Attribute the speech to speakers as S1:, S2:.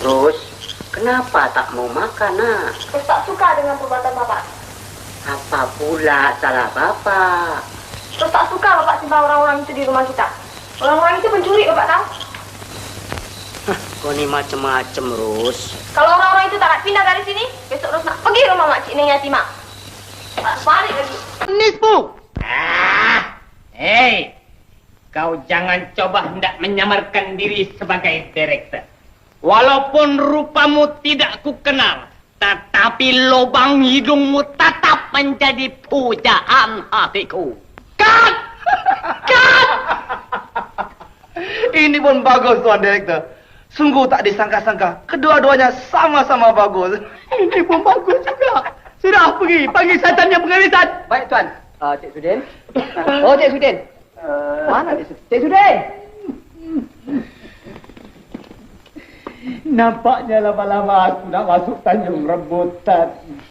S1: Terus, kenapa tak mau makan, nak?
S2: Terus tak suka dengan perbuatan Bapak.
S1: Apa pula salah Bapak?
S2: Terus tak suka Bapak simpan orang-orang itu di rumah kita. Orang-orang itu pencuri, Bapak tahu?
S1: Kau ni macam-macam, Ros.
S2: Kalau orang-orang itu tak nak pindah dari sini, besok Ros nak pergi rumah Makcik Neng Yatimah. Tak balik lagi.
S3: Nisbu! Hei! Kau jangan coba hendak menyamarkan diri sebagai direktur. Walaupun rupamu tidak kukenal, tetapi lubang hidungmu tetap menjadi pujaan hatiku. Cut! Cut!
S4: Ini pun bagus, Tuan Direktur. Sungguh tak disangka-sangka. Kedua-duanya sama-sama bagus.
S3: Ini pun bagus juga. Sudah pergi, panggil setannya pengarisan.
S5: Baik, Tuan. Cik Sudin. Oh, Cik Sudin. Mana Cik Sudin? Cik Sudin!
S3: Nampaknya lama-lama aku nak masuk Tanjung Rebutan.